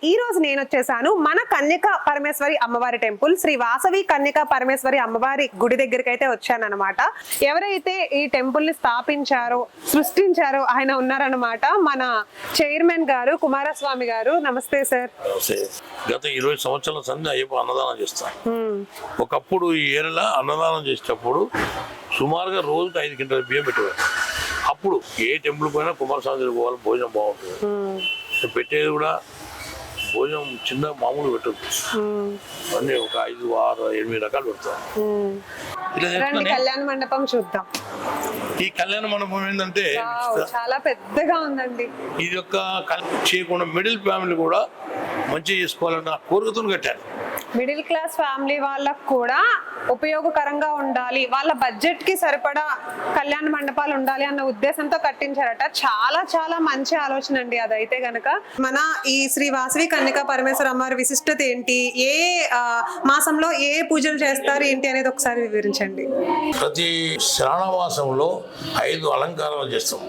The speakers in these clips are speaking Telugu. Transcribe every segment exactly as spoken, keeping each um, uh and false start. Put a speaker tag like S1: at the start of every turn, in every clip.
S1: ఈ రోజు నేను వచ్చేసాను మన కన్యకా పరమేశ్వరి అమ్మవారి టెంపుల్, శ్రీ వాసవి కన్యకా పరమేశ్వరి అమ్మవారి గుడి దగ్గరికి అయితే వచ్చాను అనమాట. ఎవరైతే ఈ టెంపుల్ ని స్థాపించారో సృష్టించారో ఆయన ఉన్నారనమాట, మన చైర్మన్ గారు కుమారస్వామి గారు. నమస్తే సార్.
S2: గత ఇరవై సంవత్సరాల సంది అయ్యప్ప అన్నదానం చేస్తాను. ఒకప్పుడు ఈ ఏరియాలో అన్నదానం చేసేటప్పుడు సుమారుగా రోజుకి ఐదు క్వింటాల బియ్యం పెట్టేవారు. అప్పుడు ఏ టెంపుల్ పోయినా కుమారస్వామి దగ్గరికి పోవాలి, భోజనం బాగుంటుంది. పెట్టేది కూడా భోజనం చిన్న మామూలు పెట్టదు, అన్ని ఒక ఐదు ఆరు ఎనిమిది రకాలు పెడతారు.
S1: కళ్యాణ మండపం చూద్దాం.
S2: ఈ కళ్యాణ మండపం ఏంటంటే
S1: చాలా పెద్దగా ఉందండి.
S2: ఇది యొక్క చేయకుండా మిడిల్ ఫ్యామిలీ కూడా మంచిగా చేసుకోవాలన్న కోరికతో కట్టారు.
S1: మిడిల్ క్లాస్ ఫ్యామిలీ వాళ్ళకు కూడా ఉపయోగకరంగా ఉండాలి, వాళ్ళ బడ్జెట్ కి సరిపడా కళ్యాణ మండపాలు ఉండాలి అన్న ఉద్దేశంతో కట్టించారట. చాలా చాలా మంచి ఆలోచన అండి అదైతే గనక. మన ఈ శ్రీ వాసవి కన్యకా పరమేశ్వర అమ్మవారి విశిష్టత ఏంటి, ఏ మాసంలో ఏ పూజలు చేస్తారు ఏంటి అనేది ఒకసారి వివరించండి.
S2: ప్రతి శ్రావణమాసంలో ఐదు అలంకారాలు చేస్తాం.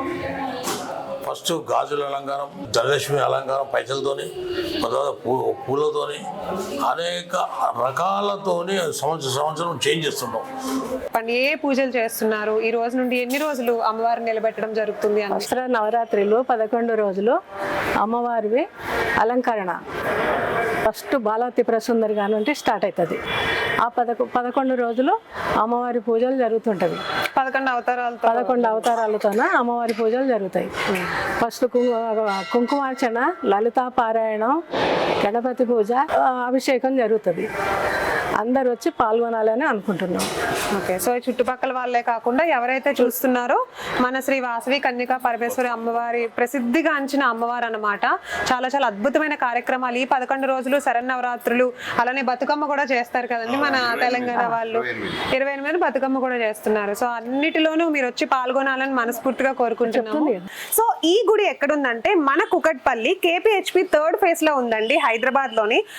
S2: ఫస్ట్ గాజుల అలంకారం, ధనలక్ష్మి అలంకారం పైసలతోని, తర్వాత పూ పూలతోని అనేక రకాలతోని సంవత్సరం సంవత్సరం చేంజ్ చేస్తుంటాం.
S1: ఏ పూజలు చేస్తున్నారు, ఈ రోజు నుండి ఎన్ని రోజులు అమ్మవారిని నిలబెట్టడం జరుగుతుంది?
S3: దసరా నవరాత్రిలో పదకొండు రోజులు అమ్మవారివి అలంకరణ ఫస్ట్ బాలావతి ప్రసుందరి గారి నుండి స్టార్ట్ అవుతుంది. ఆ పదకొ పదకొండు రోజులు అమ్మవారి పూజలు జరుగుతుంటవి.
S1: పదకొండు అవతారాలు
S3: పదకొండు అవతారాలతోన అమ్మవారి పూజలు జరుగుతాయి. ఫస్ట్ కుంకుమార్చన, లలితా పారాయణం, గణపతి పూజ, అభిషేకం జరుగుతుంది. అందరు వచ్చి పాల్గొనాలని అనుకుంటున్నాం.
S1: ఓకే, సో చుట్టుపక్కల వాళ్ళే కాకుండా ఎవరైతే చూస్తున్నారో మన శ్రీ వాసవి కన్యకా పరమేశ్వరి అమ్మవారి ప్రసిద్ధిగాంచిన అమ్మవారు అన్నమాట. చాలా చాలా అద్భుతమైన కార్యక్రమాలు ఈ పదకొండు రోజులు, శరన్నవరాత్రులు, అలానే బతుకమ్మ కూడా చేస్తారు కదండి మన తెలంగాణ వాళ్ళు. ఇరవై ఎనిమిది బతుకమ్మ కూడా చేస్తున్నారు. సో అన్నిటిలోనూ మీరు వచ్చి పాల్గొనాలని మనస్ఫూర్తిగా కోరుకుంటున్నాము. సో ఈ గుడి ఎక్కడుందంటే మన కుకట్పల్లి కేపీహెచ్పి థర్డ్ ఫేజ్ లో ఉందండి, హైదరాబాద్ లోని.